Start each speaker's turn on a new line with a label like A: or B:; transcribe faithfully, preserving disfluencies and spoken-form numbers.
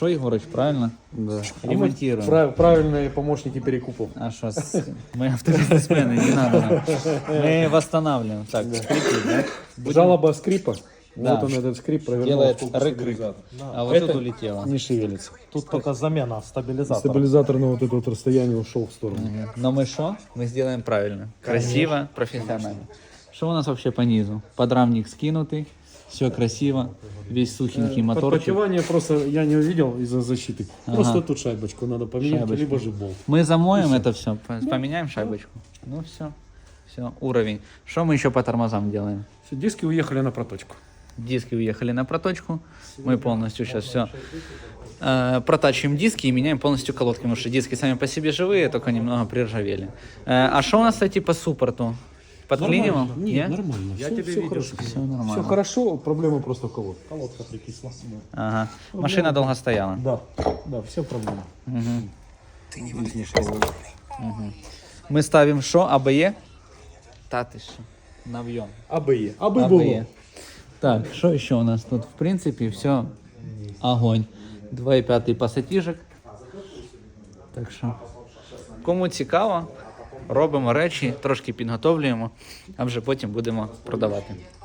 A: Что, Егорыч, правильно?
B: Да.
A: Ремонтируем.
B: Прав- правильные помощники перекупов.
A: А что, с- мы автобизнесмены, не надо нам. Мы восстанавливаем. Так, скрипит, да? Будем-
B: Жалоба скрипа.
A: Да.
B: Вот он этот скрип провернул.
A: Делает
B: сколько
A: рык-рык.
B: стабилизатор.
A: А вот
B: Это
A: тут улетело.
B: не шевелится.
C: Тут только замена стабилизатора.
B: Стабилизатор на вот это вот расстояние ушел в сторону.
A: Но мы что? Мы сделаем правильно. Красиво, профессионально. Что у нас вообще по низу? Подрамник скинутый, все красиво, весь сухенький моторчик.
B: Подпотевание просто я не увидел из-за защиты.
A: Ага.
B: Просто тут шайбочку надо поменять,
A: Шайбочку.
B: либо же болт.
A: Мы замоем это все, поменяем шайбочку. Ну все, все, уровень. Что мы еще по тормозам делаем?
B: Все, диски уехали на проточку.
A: Диски уехали на проточку. Мы полностью сейчас все э, протачиваем диски и меняем полностью колодки, потому что диски сами по себе живые, только немного приржавели. Э, а что у нас, кстати, по суппорту? Подклинивал?
B: Нормально. Нет, нормально.
C: Я
B: все,
C: тебе
B: все
C: видел.
B: хорошо.
A: Все нормально.
B: Все хорошо, проблема просто в колодке.
C: Колодка прикисла.
A: Ага. Машина долго стояла.
B: Да, да, все проблемы.
A: Мы ставим что? АБЕ? Та ты что? Навьем.
B: АБЕ. АБЕ
A: АБЕ.
B: было.
A: Так, что еще у нас тут? В принципе, все огонь. два і п'ять пасатіжок. Так що, кому цікаво, робимо речі, трошки підготовлюємо, а вже потім будемо продавати.